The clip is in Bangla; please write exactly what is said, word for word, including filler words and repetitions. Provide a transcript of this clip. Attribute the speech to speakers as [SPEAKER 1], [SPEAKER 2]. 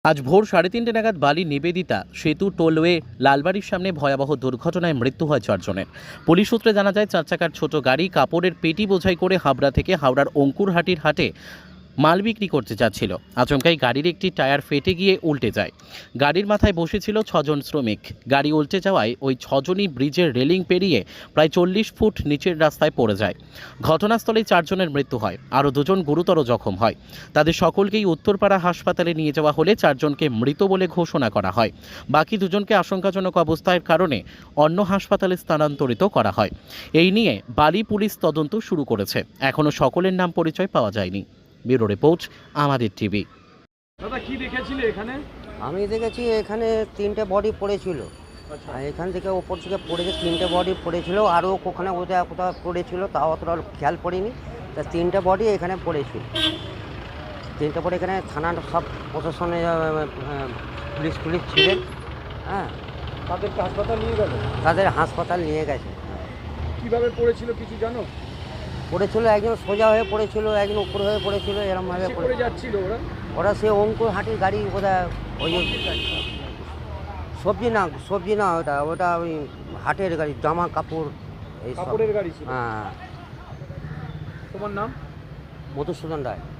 [SPEAKER 1] আজ ভোর সাড়ে তিনটে নাগাদ বালি নিবেদিতা সেতু টোলওয়ে লালবাড়ির সামনে ভয়াবহ দুর্ঘটনায় মৃত্যু হয় চারজনের। পুলিশ সূত্রে জানা যায়, চার চাকার ছোট গাড়ি কাপড়ের পেটি বোঝাই করে হাবড়া থেকে হাওড়ার অঙ্কুরহাটির হাটে মাল বিক্রি করতে যাচ্ছিল। আচমকাই গাড়ির একটি টায়ার ফেটে গিয়ে উল্টে যায়। গাড়ির মাথায় বসেছিল ছজন শ্রমিক। গাড়ি উল্টে যাওয়ায় ওই ছজনই ব্রিজের রেলিং পেরিয়ে প্রায় চল্লিশ ফুট নিচের রাস্তায় পড়ে যায়। ঘটনাস্থলেই চারজনের মৃত্যু হয়, আরও দুজন গুরুতর জখম হয়। তাদের সকলকেই উত্তরপাড়া হাসপাতালে নিয়ে যাওয়া হলে চারজনকে মৃত বলে ঘোষণা করা হয়। বাকি দুজনকে আশঙ্কাজনক অবস্থার কারণে অন্য হাসপাতালে স্থানান্তরিত করা হয়। এই নিয়ে বালি পুলিশ তদন্ত শুরু করেছে। এখনও সকলের নাম পরিচয় পাওয়া যায়নি। ব্যুরো রিপোর্ট, আমাদের টিভি।
[SPEAKER 2] দাদা কি দেখেছিলে এখানে?
[SPEAKER 3] আমি দেখেছি এখানে তিনটে বডি পড়েছিল।
[SPEAKER 2] আচ্ছা,
[SPEAKER 3] আর এখান থেকে ওপর থেকে পড়েছে, তিনটে বডি পড়েছিল, আরও ওখানে কোথাও কোথাও পড়েছিল, তাও অতটা খেয়াল পড়িনি। তা তিনটে বডি এখানে পড়েছিল। তিনটে বডি এখানে থানার সব প্রশাসনে পুলিশ পুলিশ ছিলেন। হ্যাঁ,
[SPEAKER 2] তাদেরকে হাসপাতাল নিয়ে গেল?
[SPEAKER 3] তাদের হাসপাতাল নিয়ে গেছে।
[SPEAKER 2] কিভাবে পড়েছিল কিছু জানো?
[SPEAKER 3] পড়েছিল, একজন সোজা হয়ে পড়েছিল, একজন উপর হয়ে পড়েছিল, এরমভাবে
[SPEAKER 2] সে
[SPEAKER 3] পড়ে
[SPEAKER 2] করে যাচ্ছিল ওরা?
[SPEAKER 3] ওরা সে অঙ্কুর হাটির গাড়ি, ওটা ওই সবজি না, সবজি না, ওটা ওটা ওই হাটের গাড়ি, জামা কাপড় এই সব।
[SPEAKER 2] কাপড়ের গাড়ি ছিল।
[SPEAKER 3] হ্যাঁ,
[SPEAKER 2] তোমার নাম?
[SPEAKER 3] মধুসূদন রায়।